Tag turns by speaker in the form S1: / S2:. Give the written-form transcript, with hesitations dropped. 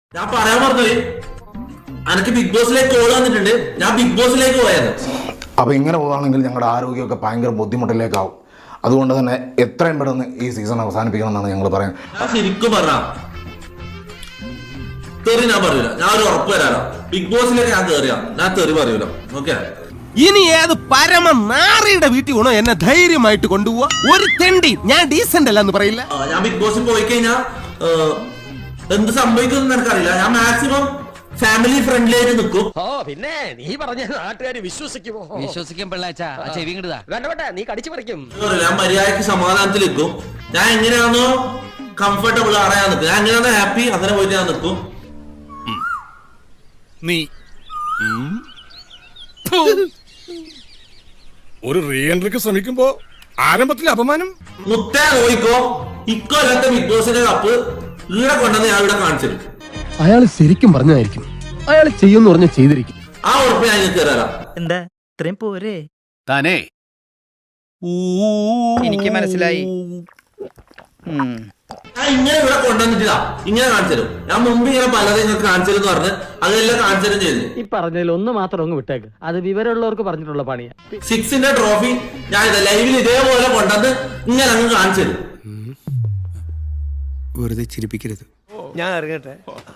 S1: ഞാൻ പറയാൻ പറഞ്ഞത് എനിക്ക് ബിഗ് ബോസിലേക്ക് കോൾ വന്നിട്ടുണ്ട്. ഞാൻ ബിഗ് ബോസിലേക്ക് പോയത്.
S2: അപ്പോൾ ഇങ്ങനെ പോകുകയാണെങ്കിൽ ഞങ്ങളുടെ ആരോഗ്യമൊക്കെ ഭയങ്കര ബുദ്ധിമുട്ടിലേക്കാവും. അതുകൊണ്ട് തന്നെ എത്രയും പെട്ടെന്ന് ഈ സീസൺ അവസാനിപ്പിക്കണം എന്നാണ് ഞങ്ങൾ പറയുന്നത്.
S1: ശരിക്കും പറഞ്ഞാ തെറി ഞാൻ പറയൂല. ഞാൻ ഒരു ഉറപ്പ് തരാലോ, ബിഗ് ബോസിലേക്ക് ഞാൻ കയറിയാ ഞാൻ തെറി പറയൂല. ഓക്കെ,
S3: ഇനി ഏത് പരമ നാറിയുടെ വീട്ടിൽ വേണോ എന്നെ ധൈര്യമായിട്ട് കൊണ്ടുപോവാ. ഒരു തെണ്ടി ഞാൻ ഡീസന്റ് അല്ല എന്ന് പറയില്ല.
S1: ഞാൻ ബിഗ് ബോസിൽ പോയി കഴിഞ്ഞാൽ എന്ത് സംഭവിക്കും എനിക്കറിയില്ല. ഞാൻ മാക്സിമം ഫാമിലി ഫ്രണ്ട്ലി ആയിട്ട് നിൽക്കും.
S4: ഓ പിന്നെ നീ പറഞ്ഞ നാട്ടുകാര് വിശ്വസിക്കുമോ?
S5: വിശ്വസിക്കാൻ പിള്ളാച്ചാ ചെവി കിട്ടുതാ
S4: വേണ്ട നീ കടിച്ചു പറിക്കും.
S1: ഞാൻ മര്യാദക്ക് സമാധാനത്തിൽ നിൽക്കും. ഞാൻ എങ്ങനെയാണോ കംഫർട്ടബിൾ അറിയാൻ നിൽക്കും. ഞാൻ എങ്ങനെയാണോ ഹാപ്പി അങ്ങനെ പോയിട്ട് ഞാൻ നിൽക്കും.
S3: നീ
S6: ഒരു റീ എൻട്രിക്ക് ശ്രമിക്കുമ്പോ ആരംഭത്തിൽ അപമാനം.
S1: മുത്തേ നോയിക്കോ, ഇക്കൊല്ലത്തെ ബിഗ് ബോസിന്റെ കപ്പ് ഇവിടെ കൊണ്ടുവന്ന് ഞാൻ ഇവിടെ കാണിച്ചു തരും.
S7: അയാൾ ശരിക്കും പറഞ്ഞതായിരിക്കും. അയാൾ ചെയ്യുമെന്ന് പറഞ്ഞ ചെയ്തിരിക്കും.
S1: ആ ഉറപ്പ് ഞാൻ നിങ്ങൾക്ക് തരാം.
S8: എന്താ ഇത്രയും പോരെ?
S5: താനേ
S8: എനിക്ക് മനസ്സിലായി.
S1: ഞാൻ ഇങ്ങനെ ഇവിടെ കൊണ്ടുവന്നിട്ടില്ല, ഇങ്ങനെ കാണിച്ചു തരും. ഞാൻ മുമ്പ് ഇങ്ങനെ പലതും നിങ്ങൾക്ക് കാണിച്ചു തരും എന്ന് പറഞ്ഞ് അതെല്ലാം കാണിച്ചു തരും ചെയ്തു.
S4: ഈ പറഞ്ഞതിൽ ഒന്ന് മാത്രം അങ്ങ് വിട്ടേക്ക്. അത് വിവരമുള്ളവർക്ക് പറഞ്ഞിട്ടുള്ള പണിയാ.
S1: 6ന്റെ ട്രോഫി ഞാൻ ഇത് ലൈവിൽ ഇതേപോലെ കൊണ്ടുവന്ന് ഇങ്ങനെ അങ്ങ് കാണിച്ചു തരും.
S3: വെറുതെ ചിരിപ്പിക്കരുത്.
S8: ഞാൻ ഇറങ്ങട്ടെ.